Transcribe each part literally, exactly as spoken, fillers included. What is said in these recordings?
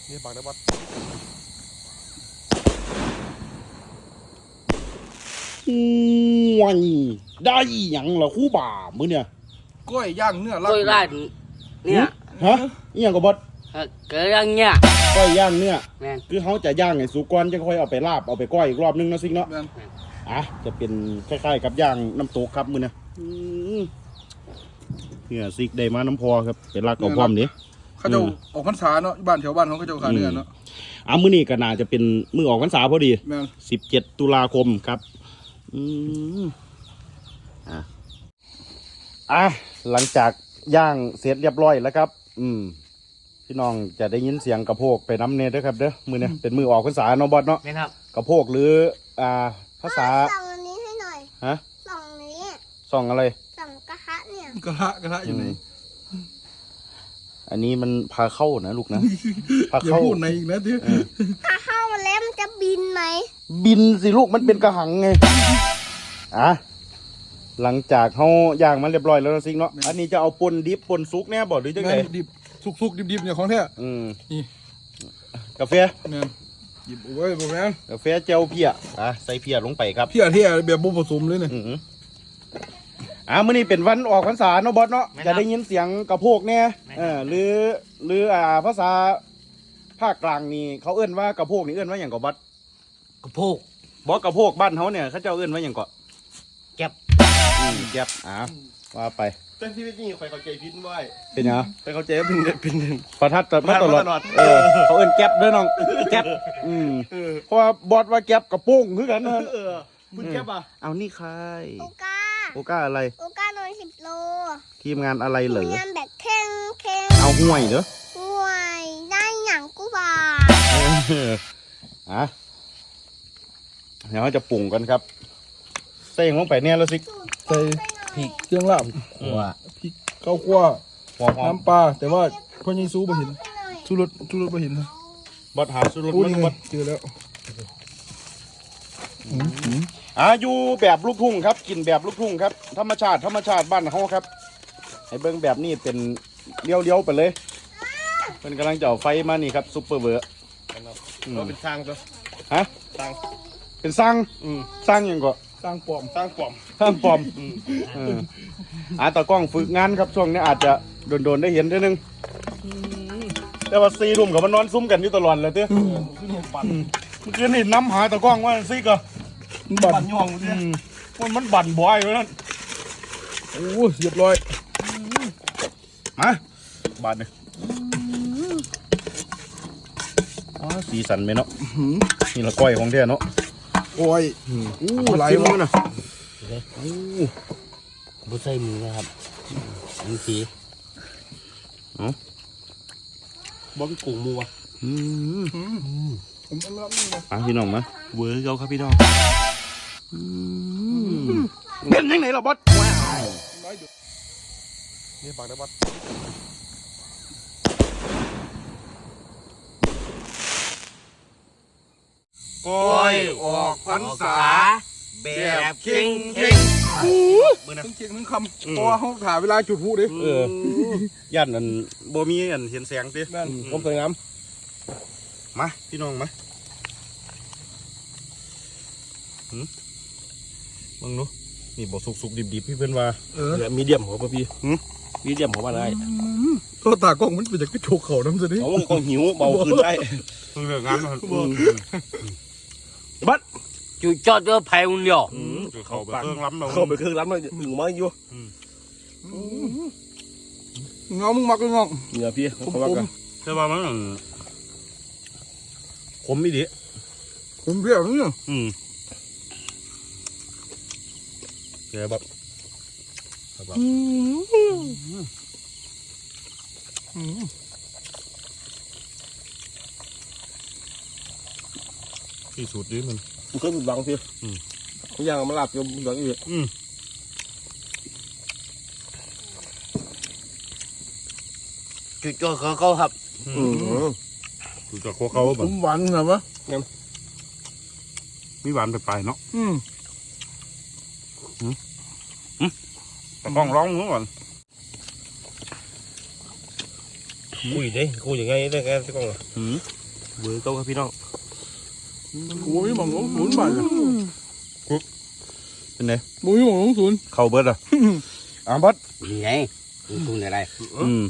นี่บักได้บัดว้ยได้หยังล่ะคู่บ่ามื้อเนี่ยกล้วยย่างเนื้อกล้วยร้านเนี่ยฮะอีหยังก็บดเกิดอย่างเงี้ยก้อยย่างเนื้อแม่นคือเขาจะย่างให้สุกก่อนจะค่อยเอาไปลาบเอาไปก้อยอีกรอบนึงเนาะซิงเนาะแม่นอ่ะจะเป็นคล้ายๆกับย่างน้ำตกครับมื้อเนี่ยอืมเนี่ยซิกได้มาน้ำพอครับเป็นรักเอาพร้อมนี้เขาจะออกพรรษาเนาะบ้านแถวบ้านเขาเขาจะขายเนื้อเนาะอ่ะมื้อนี้ก็น่าจะเป็นมื้อออกพรรษาพอดีแม่นสิบเจ็ดตุลาคมครับอืมอ่ะอ่ะหลังจากย่างเสร็จเรียบร้อยแล้วครับ อืมพี่น้องจะได้ยินเสียงกระโพกไปน้ำเนยด้วยครับเด้อมือเนี่ยเป็นมือออกภาษาเนาะบอสเนาะแม่นครับกระโพกหรืออ่าภาษาส่องอันนี้ให้หน่อยฮะส่องนี้ส่องอะไรส่องกระทะเนี่ยกระทะกระทะอยู่ไหนอืมอันนี้มันพาเข้านะลูกนะพาอย่าเข้าพูดในอีกนะที่เออถ้าเข้ามาแล้วมันจะบินไหมบินสิลูกมันเป็นกระหังไงอ่ะหลังจากเขาย่างมันเรียบร้อยแล้วนะซิงเนาะอันนี้จะเอาปนดิบปนซุกเนี่ยบอกหรือจังไงแม่นดิบสุกๆดิบๆเนี่ยของแท้อืมนี่กาแฟแม่นหยิบเอาไว้บ่แม่นกาแฟเจลเพียอ่ะใส่เพียลงไปครับเที่ยเที่ยแบบบ่ผสมเลยเนี่ยอืออ่ามื้อนี้เป็นวันออกพรรษาเนาะบอสเนาะจะได้ยินเสียงกระโพกเนี่ยเออหรือหรืออ่าภาษาภาคกลางนี่เขาเอื้นว่ากระโพกนี่เอื้นว่าอย่างกบอสกระโพกบอสกระโพกบ้านเขาเนี่ยเขาเจ้าเอื้นว่าอย่างเกาะแก็บอืมแก๊บอ่าว่าไปแต่ที่นี่คอยเข้าใจผิดไว้เป็นหยังไปเข้าใจว่าเป็นเป็นประทัดตประทัดตลอดมาตลอดเออเขาเอื้นแก๊บเด้อน้องแก๊บอืมเพราะว่าบอสว่าแก๊บกระโปงคือกันเนอะเออมึงแก้ปะเอานี่ใครโอกาโอก้าอะไรโอกาโดนสิบโลทีมงานอะไรเหรอมีงานแบบเข่งเข่งเอาห่วยเด้อห่วยได้หยังกูบ่าเอออ่ะเดี๋ยวเราจะปรุงกันครับใส่ลงไปเนี่ยแล้วสิใส่พริกเครื่องลาบว่าพริกข้าวคั่วหอมน้ำปลาแต่ว่าพ่อยิงซูบ่เห็นชูรสชูรสบ่เห็นนะๆบดหาสุรสโอ้มันี่นไงบดเจอแล้วอ่ะอยู่แบบลูกทุ่งครับ กินแบบลูกทุ่งครับ ธรรมชาติธรรมชาติบ้านเขาครับ ให้เบิ้งแบบนี้เป็นเลี้ยวๆไปเลยเป็นกำลังจะเอาไฟมานี่ครับซุปเปอร์เวอร์อืมเราเป็นสร้างตัวฮะสร้างเป็นสร้างอืมสร้างหยังก็สร้างปลอมสร้างปลอมสร้างปลอมเอออ่ะตากล้องฝึกงานครับช่วงนี้อาจจะโดนๆได้เห็นทีนึงแต่ว่าซีรุ่มกับมันนอนซุ้มกันอยู่ตลอดเลยเต้อปั่นเมื่อคืนนี่น้ำหาตะกล้องว่าซิกอะบัปั่นนย่องเนี่ยมันมันบั่นบ่อยเลยนั่นโอ้เรียบร้อยมาบาดเลยอ๋อสีสันไหมเนาะนี่ละก้อยของแท้เนาะโอ้ยอู้ไหลจิ้มวะมันนะบุใส่มือนะครับอันสีบ่มีกุ้งมัวอืมผมเอาละนี่นะอ่ะพี่น้องมาเวอร์เขาครับพี่น้องอืมเป็นยังไงล่ะบอสว้าวไหลอยู่นี่บักได้บัดก้อก้อย ยออกพรรษาแบบเข่งเข่งทั้งเชียงทั้งคำเพราะว่าเขาถ่ายเวลาจุดพลุดิเออย่านอันบ่มีอันเห็นแสงติแม่นผมสวยงามมาพี่น้องมาหืมมึงดูนี่บอกสุกๆดิบๆพี่เพื่อนว่าเออเหลือมีเดียมหัวป่ะพี่มีเดียมหัวมาได้ก็ตากล้องมันเป็นจากกระโจกเขาน้ำสิดิเอามันก็หิวเบาขึ้นได้เพิ่งเลิกงานมาบัดจุดจอดเจอไผ่อุ่นเดียวเขาไปเครื่องล้ำเราเข้าไปเครื่องร้านมันหนึ่งมาอยู่เงามึงมักก็งองเนี่ยพี่ผมเขาว่าผมกันแต่ว่ามันขมอีดิผมเปรี้ยวเนี่ยอืมเดี๋ยวแบบแบบ ที่สุดดิมันมันเคยมีบังพี่เขาย่างมาลาบอยู่หลังอีกอืมจุดจอดเขาเขาครับอืมคือจะโคเขาแบผบมหวานนะวะมีหวานไปปลายๆเนาะอืมแต่กล้องร้องนู้นก่อนคุยดิคุยยังไงได้แกที่กล้องอืมเบอร์เก้าครับพี่น้องกูไม่มองลงศูนย์บาทเลยเป็นไงกูไม่มองลงศูนย์เข้าเบิดอ่ะอ่ะเบิดนี่ไงคุณคุณอะไรอืม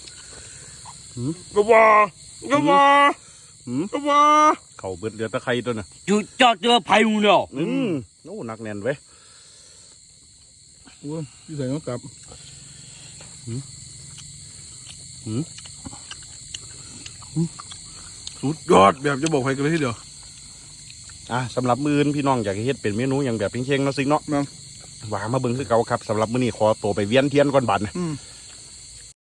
ก็ว่าก็ว่าอืมก็ว่าเข้าเบิดเหลือตะไคร้ตัวน่ะจุดจอดเจอไผ่หุ่นเหลียวอืมโอ้หนักแน่นเว้ยโอ้ยพี่ใส่ก็กลับสุดยอดแบบจะบอกใครกันเลยทีเดียวอ่ะสำหรับมื้ออื่นพี่น้องอยากให้เฮ็ดเป็นเมนูอย่างแบบเพ่งๆเนาะซิงเนาะแม่งว่ามาเบิ่งคือเก่าครับสำหรับมื้อนี้ขอตัวไปเวียนเทียนก่อนบัดนะอืม